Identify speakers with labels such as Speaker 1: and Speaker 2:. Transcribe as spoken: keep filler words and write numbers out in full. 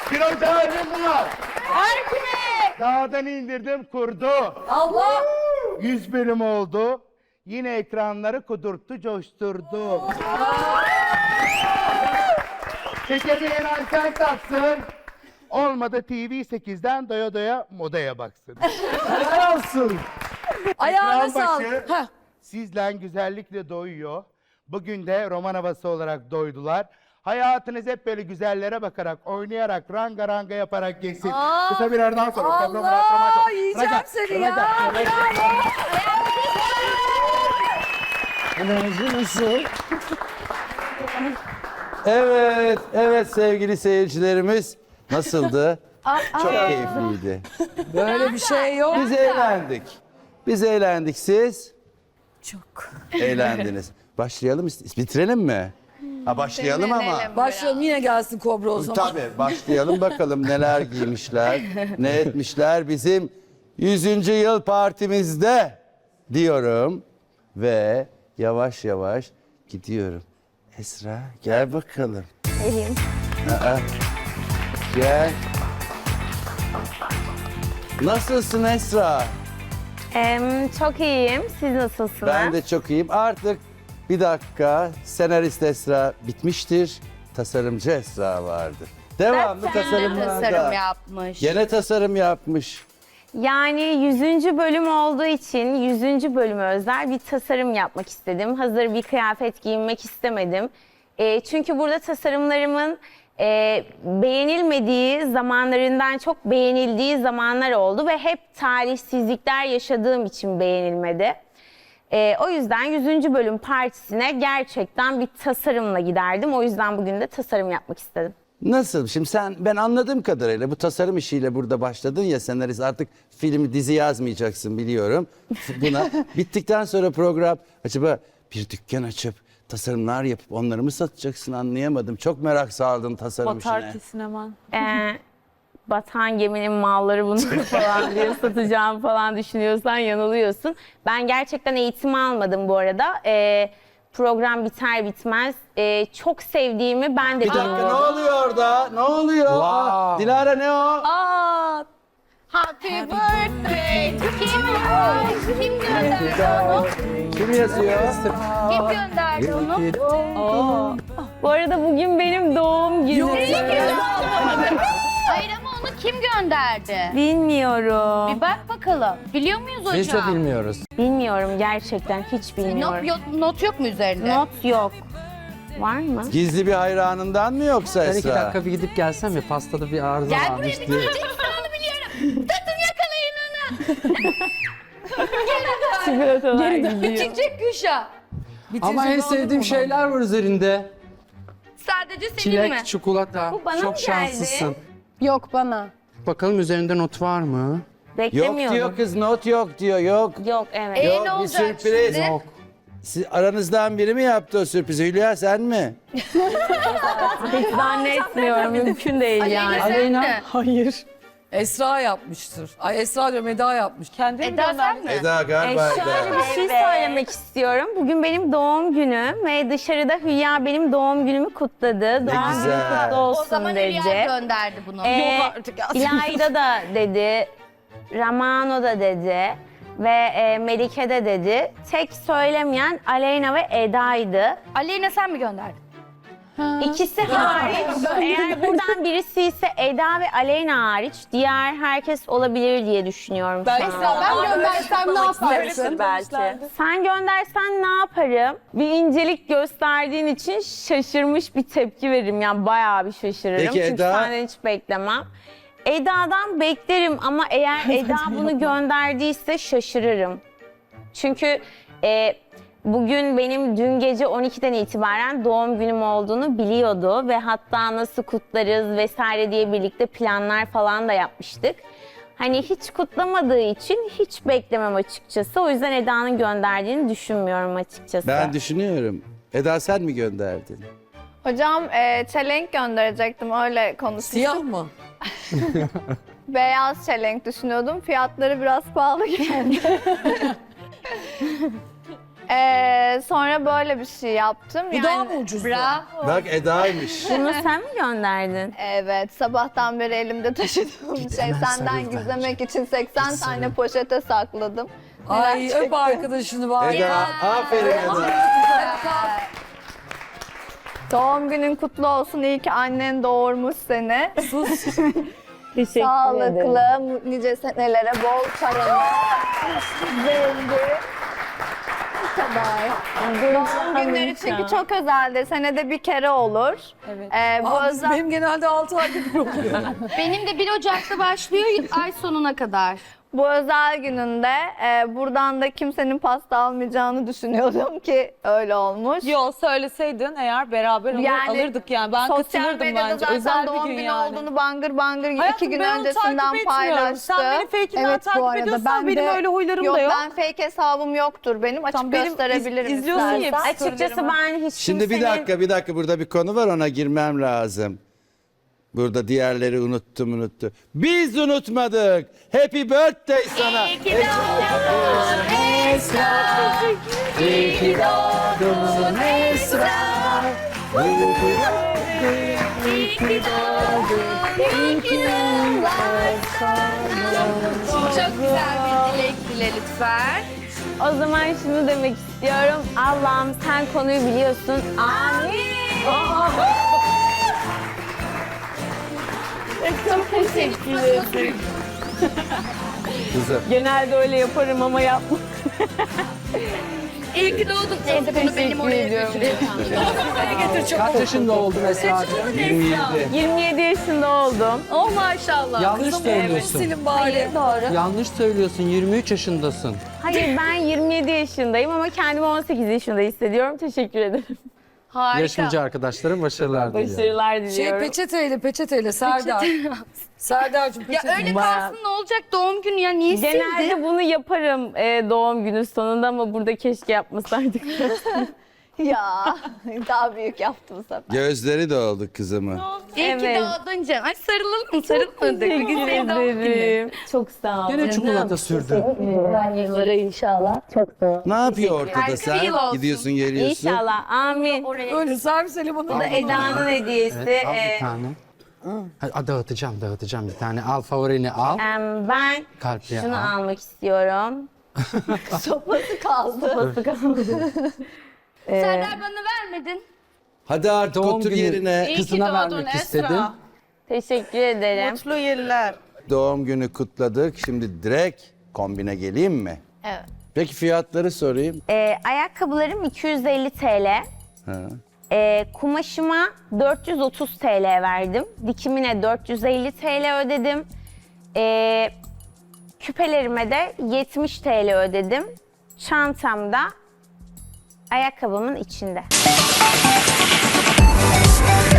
Speaker 1: Pirojahim var.
Speaker 2: Harikime.
Speaker 1: Dağdan indirdim kurdu.
Speaker 2: Allah.
Speaker 1: Yüz bölüm oldu. Yine ekranları kudurttu, coşturdu. Çekemeyen anten taksın. Olmadı T V sekizden doya doya modaya baksın. Helal olsun.
Speaker 2: Ayağına
Speaker 1: Ekran
Speaker 2: sağlık.
Speaker 1: başı sizle güzellikle doyuyor. Bugün de roman havası olarak doydular. Hayatınız hep böyle güzellere bakarak, oynayarak, ranga ranga yaparak geçsin.
Speaker 2: Aa,
Speaker 1: Kısa bir aradan sonra.
Speaker 2: Allah, yiyeceğim seni ya.
Speaker 3: Enerji nasıl? Evet, evet sevgili seyircilerimiz. Nasıldı? Çok keyifliydi.
Speaker 2: Böyle bir şey yok.
Speaker 3: Biz eğlendik. Biz eğlendik. Siz?
Speaker 2: Çok.
Speaker 3: Eğlendiniz. Başlayalım mı? Bitirelim mi? Ha başlayalım ama.
Speaker 2: Başlayalım, yine gelsin Kobra o zaman.
Speaker 3: Tabii başlayalım bakalım neler giymişler, ne etmişler bizim yüzüncü yıl partimizde diyorum ve yavaş yavaş gidiyorum. Esra gel bakalım.
Speaker 4: Geleyim.
Speaker 3: Aa, gel. Nasılsın Esra?
Speaker 4: Em, çok iyiyim. Siz nasılsınız?
Speaker 3: Ben de çok iyiyim. Artık bir dakika senarist Esra bitmiştir. Tasarımcı Esra vardır. Devamlı tasarımlarda.
Speaker 5: tasarım yapmış.
Speaker 3: Gene tasarım yapmış.
Speaker 4: Yani yüzüncü bölüm olduğu için yüzüncü bölüme özel bir tasarım yapmak istedim. Hazır bir kıyafet giyinmek istemedim. E, çünkü burada tasarımlarımın e, beğenilmediği zamanlarından çok beğenildiği zamanlar oldu ve hep talihsizlikler yaşadığım için beğenilmedi. E, o yüzden yüzüncü bölüm partisine gerçekten bir tasarımla giderdim. O yüzden bugün de tasarım yapmak istedim.
Speaker 3: Nasıl? Şimdi sen ben anladığım kadarıyla bu tasarım işiyle burada başladın ya senarist artık film dizi yazmayacaksın biliyorum. Buna bittikten sonra program acaba bir dükkan açıp tasarımlar yapıp onları mı satacaksın anlayamadım. Çok merak saldın tasarım işine.
Speaker 2: hemen.
Speaker 4: Ee, batan geminin malları bunlar falan diye satacağım falan düşünüyorsan yanılıyorsun. Ben gerçekten eğitim almadım bu arada. Ee, program biter bitmez ee, çok sevdiğimi ben de
Speaker 3: Bir dakika ne
Speaker 4: bilmiyorum.
Speaker 3: oluyor orada? Ne oluyor? Aa, Dilara ne o?
Speaker 2: Aa,
Speaker 5: Happy birthday to kim? Kim gönderdi onu?
Speaker 3: Kim yazıyor?
Speaker 5: Kim gönderdi onu?
Speaker 4: Bu arada bugün benim doğum günüm.
Speaker 5: Hayır ama onu kim gönderdi?
Speaker 4: Bilmiyorum.
Speaker 5: Bir bak bakalım. Biliyor muyuz hocam?
Speaker 6: Biz de bilmiyoruz.
Speaker 4: Bilmiyorum gerçekten hiç bilmiyorum.
Speaker 5: Not, yok, not yok mu üzerinde?
Speaker 4: Not yok. Var mı?
Speaker 3: Gizli bir hayranından mı yoksa
Speaker 6: Ben iki
Speaker 3: Esra?
Speaker 6: dakika bir gidip gelsem mi? Pastada bir arıza
Speaker 5: Gel buraya
Speaker 6: varmış
Speaker 5: bir
Speaker 6: diye.
Speaker 5: gideceksin onu biliyorum. Tutun yakalayın onu.
Speaker 4: Çikolatalar gidiyor.
Speaker 5: Çıkacak Gülşah.
Speaker 6: Ama en sevdiğim şeyler var üzerinde.
Speaker 5: Sadece senin
Speaker 6: Çilek,
Speaker 5: mi?
Speaker 6: çikolata.
Speaker 4: Bu bana
Speaker 6: Çok
Speaker 4: mı geldi?
Speaker 6: şanslısın.
Speaker 7: Yok bana.
Speaker 6: Bakalım üzerinde not var mı?
Speaker 3: Yok
Speaker 4: Beklemiyordum.
Speaker 3: diyor kız not yok diyor yok.
Speaker 4: Yok evet.
Speaker 5: Ee,
Speaker 3: Yok,
Speaker 5: ne
Speaker 3: bir
Speaker 5: olacak
Speaker 3: sürpriz.
Speaker 5: şimdi?
Speaker 6: Yok.
Speaker 3: Siz, aranızdan biri mi yaptı o sürprizi? Hülya sen mi?
Speaker 4: Hiç zannetmiyorum. Mümkün değil yani.
Speaker 5: Aleyna sen mi?
Speaker 2: hayır. Esra yapmıştır. Ay Esra diyorum, Eda yapmış. Kendi
Speaker 5: Eda sen mi?
Speaker 3: Eda
Speaker 4: E,
Speaker 3: galiba
Speaker 4: şöyle
Speaker 3: Eda.
Speaker 4: bir şey söylemek istiyorum. Bugün benim doğum günüm ve dışarıda Hülya benim doğum günümü kutladı. Doğum günün
Speaker 3: güzel.
Speaker 4: kutlu
Speaker 5: O
Speaker 4: olsun
Speaker 5: zaman
Speaker 4: dedi.
Speaker 5: Hülya gönderdi bunu.
Speaker 4: Ee,
Speaker 2: Yok artık ya.
Speaker 4: İlayda da dedi. Ramano da dedi. Ve e, Melike de dedi. Tek söylemeyen Aleyna ve Eda'ydı.
Speaker 5: Aleyna sen mi gönderdin?
Speaker 4: İkisi hariç. Eğer buradan birisi ise Eda ve Aleyna hariç diğer herkes olabilir diye düşünüyorum. şu an.
Speaker 7: Esra ben göndersem ne yaparsın?
Speaker 4: Belki. Sen göndersen ne yaparım? Bir incelik gösterdiğin için şaşırmış bir tepki veririm. Yani bayağı bir şaşırırım.
Speaker 3: Peki
Speaker 4: Çünkü
Speaker 3: Eda?
Speaker 4: senden hiç beklemem. Eda'dan beklerim ama eğer Eda bunu gönderdiyse şaşırırım. Çünkü e, bugün benim dün gece on ikiden itibaren doğum günüm olduğunu biliyordu ve hatta nasıl kutlarız vesaire diye birlikte planlar falan da yapmıştık. Hani hiç kutlamadığı için hiç beklemem açıkçası. O yüzden Eda'nın gönderdiğini düşünmüyorum açıkçası.
Speaker 3: Ben düşünüyorum. Eda sen mi gönderdin?
Speaker 8: Hocam e, çelenk gönderecektim öyle konuşmuştuk.
Speaker 2: Siyah mı?
Speaker 8: Beyaz çelenk düşünüyordum. Fiyatları biraz pahalı geldi. Ee, sonra böyle bir şey yaptım.
Speaker 2: Bu daha mı ucuzdu?
Speaker 8: Bravo.
Speaker 3: Bak Eda'ymış.
Speaker 4: Bunu sen mi gönderdin?
Speaker 8: Evet, sabahtan beri elimde taşıdığım şey.
Speaker 6: hemen
Speaker 8: Senden
Speaker 6: sarıl
Speaker 8: gizlemek için seksen tane poşete sakladım.
Speaker 2: Ay
Speaker 8: Merak
Speaker 2: öp
Speaker 8: ettim.
Speaker 2: arkadaşını var.
Speaker 3: Eda, aferin Eda.
Speaker 8: Doğum günün kutlu olsun. İyi ki annen doğurmuş seni.
Speaker 4: Teşekkür
Speaker 8: Sağlıklı, mu- nice senelere, bol paralı, zengin. Bu kadar. Doğum günleri çünkü çok özeldir. Senede bir kere olur. Evet. Ee, bu
Speaker 2: Aa, biz-
Speaker 8: özel...
Speaker 2: benim genelde altı ayda bir oluyor.
Speaker 5: Benim de bir Ocak'ta başlıyor ay sonuna kadar.
Speaker 8: Bu özel gününde e, buradan da kimsenin pasta almayacağını düşünüyordum ki öyle olmuş.
Speaker 9: Yo söyleseydin eğer beraber alır,
Speaker 8: Yani
Speaker 9: alırdık yani. Ben
Speaker 8: Sosyal
Speaker 9: katılırdım
Speaker 8: medyada
Speaker 9: bence.
Speaker 8: zaten
Speaker 9: Özel
Speaker 8: doğum
Speaker 9: bir gün
Speaker 8: günü
Speaker 9: yani.
Speaker 8: olduğunu bangır bangır
Speaker 9: Hayatım,
Speaker 8: iki gün
Speaker 9: ben onu
Speaker 8: öncesinden
Speaker 9: takip etmiyorum.
Speaker 8: paylaştı.
Speaker 9: Sen beni fake'inden
Speaker 7: Evet, bu
Speaker 9: takip
Speaker 7: arada
Speaker 9: ediyorsan
Speaker 7: ben
Speaker 9: benim
Speaker 7: de-
Speaker 9: öyle huylarım
Speaker 8: Yok
Speaker 9: da yok.
Speaker 8: ben fake hesabım yoktur benim. Açık
Speaker 9: Tamam, benim iz-
Speaker 8: gösterebilirim
Speaker 9: izliyorsun ya
Speaker 8: istersen.
Speaker 9: hepsi.
Speaker 4: Açıkçası ben hiç
Speaker 3: Şimdi bir
Speaker 4: kimsenin-
Speaker 3: dakika bir dakika burada bir konu var ona girmem lazım. Burada diğerleri unuttum unuttu. Biz unutmadık. Happy birthday sana.
Speaker 4: İyi ki doğdun Esra.
Speaker 5: Çok güzel bir dilek dile lütfen.
Speaker 4: O zaman şunu demek istiyorum. Allah'ım sen konuyu biliyorsun. Amin. Çok teşekkür ederim.
Speaker 3: Kızım.
Speaker 4: Genelde öyle yaparım ama yapma.
Speaker 5: İyi ki doğdun. Neyse bunu benim oraya götüreyim.
Speaker 6: Kaç yaşında oldun Esra'cığım?
Speaker 3: yirmi yedi.
Speaker 4: yirmi yedi yaşında oldum.
Speaker 5: Oh maşallah.
Speaker 6: Yanlış söylüyorsun.
Speaker 2: Silin bari.
Speaker 4: Doğru.
Speaker 6: Yanlış söylüyorsun. yirmi üç yaşındasın.
Speaker 4: Hayır ben yirmi yedi yaşındayım ama kendimi on sekiz yaşında hissediyorum. Teşekkür ederim.
Speaker 5: Harika.
Speaker 6: Yarışmacı arkadaşlarım başarılar diliyorum.
Speaker 4: Başarılar
Speaker 2: Şey
Speaker 4: diliyorum.
Speaker 2: peçeteyle peçeteyle Serdar. Serdar'cığım
Speaker 5: Ya
Speaker 2: peçete.
Speaker 5: öyle
Speaker 4: Bayağı-
Speaker 5: kalsın ne olacak doğum günü ya niye sildin?
Speaker 4: Genelde bunu yaparım e, doğum günü sonunda ama burada keşke yapmasaydık.
Speaker 8: Ya daha büyük yaptım bu sefer.
Speaker 3: Gözleri doldu kızımın.
Speaker 5: İyi ki
Speaker 4: Evet.
Speaker 5: doğdun canım. Ay sarılalım mı? Sarılmadık. Bugün
Speaker 4: Teşekkür
Speaker 5: senin doğum günün.
Speaker 4: ederim. Çok sağ olun.
Speaker 6: Gene çikolata sürdün.
Speaker 4: Yıllara inşallah. Çok sağ olun.
Speaker 3: Ne yapıyor ortada
Speaker 5: Harika bir
Speaker 3: sen?
Speaker 5: yıl olsun.
Speaker 3: Gidiyorsun geliyorsun.
Speaker 4: İnşallah. Amin.
Speaker 2: Öyle servis limonunu.
Speaker 4: Bu da Eda'nın hediyesi.
Speaker 6: Evet, al
Speaker 4: Ee,
Speaker 6: bir tane. Hadi, dağıtacağım, dağıtacağım bir tane. Al favorini al.
Speaker 4: em, ben
Speaker 6: Kalpliye
Speaker 4: şunu
Speaker 6: al.
Speaker 4: almak istiyorum.
Speaker 8: Sopası kaldı.
Speaker 4: Sopası kaldı. Ee,
Speaker 5: Serdar bana vermedin.
Speaker 3: Hadi artık
Speaker 6: Doğum
Speaker 3: otur
Speaker 6: günü
Speaker 3: yerine.
Speaker 6: kızına vermek istedim.
Speaker 4: Teşekkür ederim.
Speaker 9: Mutlu yıllar.
Speaker 3: Doğum günü kutladık. Şimdi direkt kombine geleyim mi?
Speaker 8: Evet.
Speaker 3: Peki fiyatları sorayım.
Speaker 4: Ee, ayakkabılarım iki yüz elli T L.
Speaker 3: Ha.
Speaker 4: Ee, kumaşıma dört yüz otuz T L verdim. Dikimine dört yüz elli T L ödedim. Ee, küpelerime de yetmiş T L ödedim. Çantamda ayakkabımın içinde.